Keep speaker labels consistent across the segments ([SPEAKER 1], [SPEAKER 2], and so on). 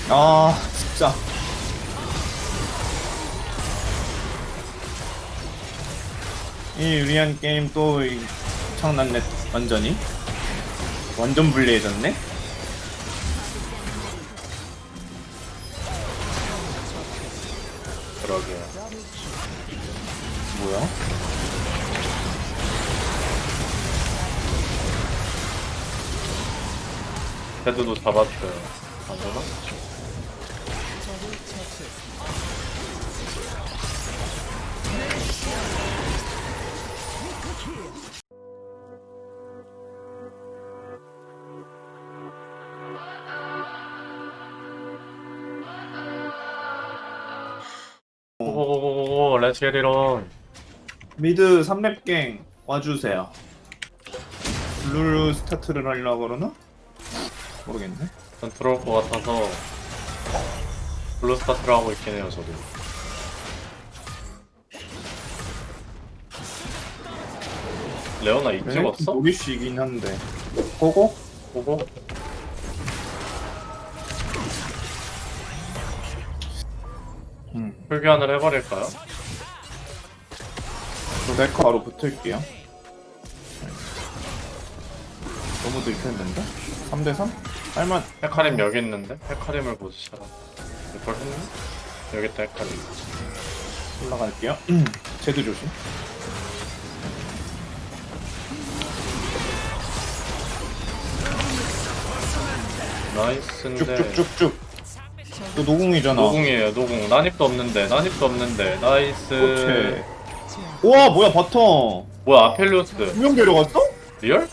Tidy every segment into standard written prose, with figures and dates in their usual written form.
[SPEAKER 1] 아, 진짜. 이 유리한 게임 또 엄청났네. 완전히. 완전 불리해졌네.
[SPEAKER 2] 그러게요.
[SPEAKER 1] 뭐야?
[SPEAKER 2] 헤드도 잡았어요. 안 되나? 오오오오오 렛츠 겟 이런.
[SPEAKER 1] 미드 3렙갱 와주세요. 블루 스타트를 하려고 그러나? 모르겠네.
[SPEAKER 2] 전 들어올 것 같아서 블루 스타트를 하고 있긴 해요 저도. 레오나 이 찍었어?
[SPEAKER 1] 노리쉬이긴 한데. 보고?
[SPEAKER 2] 보고? 풀교환을 해버릴까요?
[SPEAKER 1] 저 네커 바로 붙을게요. 너무 들켰는데? 3대3? 할만.
[SPEAKER 2] 헤카림 여기 있는데? 헤카림을 보시라. 이걸 했네? 여기 있다 헤카림.
[SPEAKER 1] 올라갈게요. 제드 조심.
[SPEAKER 2] 나이스인데
[SPEAKER 1] 쭉쭉쭉쭉. 너 노궁이잖아.
[SPEAKER 2] 노궁이에요 노궁. 난입도 없는데 나이스.
[SPEAKER 1] 그렇지. 우와, 뭐야, 바텀.
[SPEAKER 2] 뭐야 아펠리오스
[SPEAKER 1] 두명 데려갔어?
[SPEAKER 2] 리얼?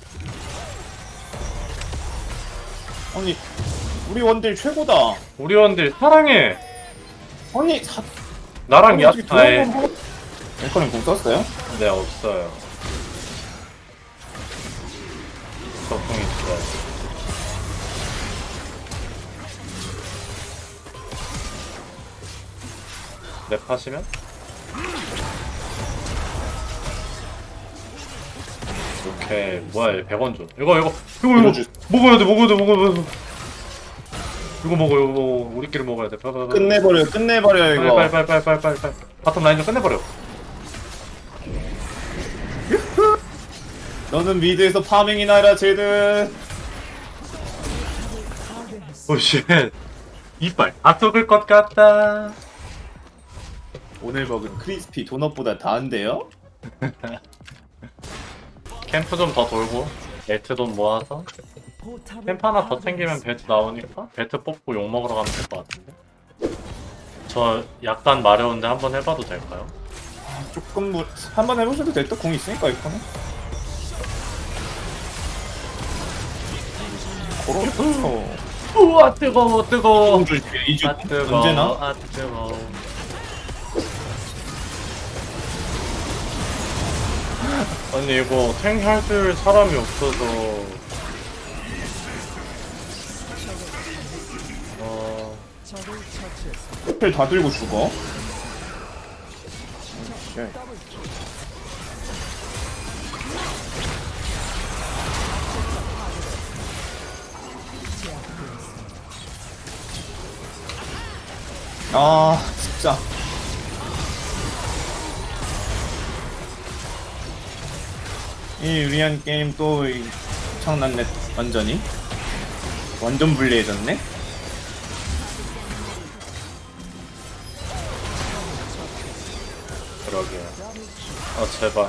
[SPEAKER 1] 아니, 우리 원딜 최고다.
[SPEAKER 2] 우리 원딜 사랑해.
[SPEAKER 1] 아니,
[SPEAKER 2] 나랑 야 아예
[SPEAKER 1] 네커님 공 썼어요?
[SPEAKER 2] 네 없어요. 저궁 있어. 랩 하시면? 오케이 뭐야 얘 100원 줘. 이거
[SPEAKER 1] 밀어주-
[SPEAKER 2] 먹어야 돼. 이거 먹어 우리끼리 먹어야 돼. 빨리
[SPEAKER 1] 끝내버려, 이거.
[SPEAKER 2] 빨리 바텀 라인 좀 끝내버려.
[SPEAKER 1] 너는 미드에서 파밍이나 해라, 제드.
[SPEAKER 2] 오쉣 이빨 다 썩을 것 같다.
[SPEAKER 1] 오늘 먹은 크리스피 도넛보다 다한데요?
[SPEAKER 2] 캠프 좀 더 돌고 벨트 돈 모아서 캠프 하나 더 챙기면 벨트 나오니까 벨트 뽑고 욕 먹으러 가면 될 것 같은데. 저 약간 마려운데 한번 해봐도 될까요?
[SPEAKER 1] 조금 한번 해보셔도 될 듯. 공 있으니까 이거는. 그렇죠.
[SPEAKER 2] 우와 뜨거워.
[SPEAKER 1] 이주
[SPEAKER 2] 아 뜨거워.
[SPEAKER 1] 언제나?
[SPEAKER 2] 아 뜨거워. 아니 이거 탱 해줄 사람이 없어서
[SPEAKER 1] 스펠 다 들고 죽어. 아, 진짜. 이 유리한 게임 또 엄청났네. 완전히. 완전 불리해졌네.
[SPEAKER 2] 그러게요. 아 제발.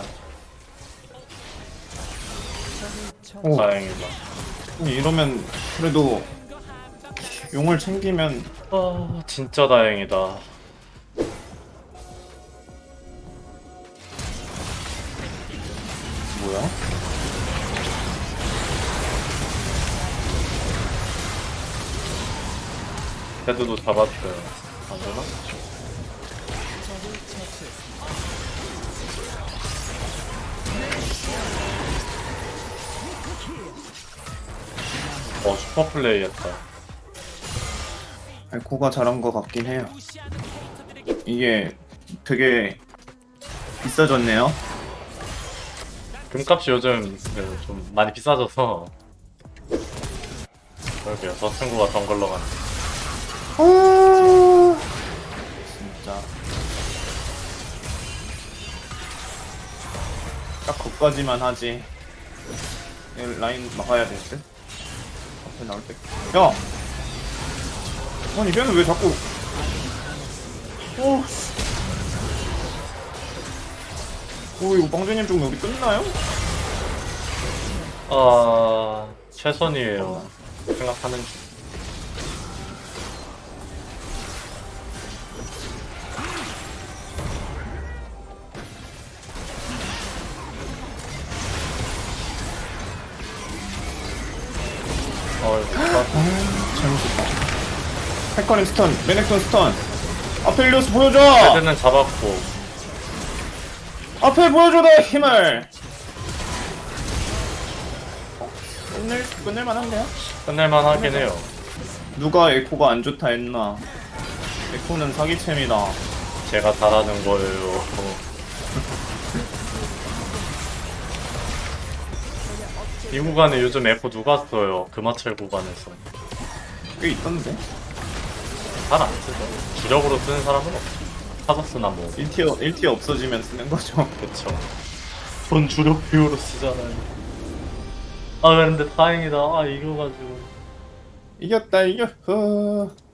[SPEAKER 1] 오.
[SPEAKER 2] 다행이다.
[SPEAKER 1] 이러면 그래도 용을 챙기면.
[SPEAKER 2] 아 진짜 다행이다.
[SPEAKER 1] 뭐야?
[SPEAKER 2] 헤드도 잡았어요. 안 되나? 슈퍼 플레이 했다.
[SPEAKER 1] 에코가 잘한 것 같긴 해요. 이게 되게 비싸졌네요.
[SPEAKER 2] 금값이 요즘 좀 많이 비싸져서 그러게요. 저 친구가 덩글러 가네.
[SPEAKER 1] 아 진짜 딱 거기까지만 하지. 이 라인 막아야 될 듯. 앞에 나올 때. 야. 아니 걔는 왜 자꾸. 오. 오 이거 빵주님 쪽 여기 끝나요?
[SPEAKER 2] 최선이에요. 생각하는 중.
[SPEAKER 1] 잘못했다. 헤커님 스턴, 메넥톤 스턴. 아펠리오스 보여줘.
[SPEAKER 2] 헤드는 잡았고.
[SPEAKER 1] 앞에 보여줘 내 힘을. 끝낼만 한데요?
[SPEAKER 2] 끝낼만 하긴 해요.
[SPEAKER 1] 누가 에코가 안 좋다 했나? 에코는 사기챔이다.
[SPEAKER 2] 제가 잘하는 거예요. 이 구간에 요즘 에코 누가 써요? 금화철 구간에서.
[SPEAKER 1] 꽤 있던데.
[SPEAKER 2] 잘 안 쓰죠. 주력으로 쓰는 사람은 없죠. 카더스나 뭐.
[SPEAKER 1] 1티어 없어지면 쓰는 거죠.
[SPEAKER 2] 그쵸. 전 주력 비율로 쓰잖아요. 아 근데 다행이다. 아 이겨가지고.
[SPEAKER 1] 이겼다 이겼어.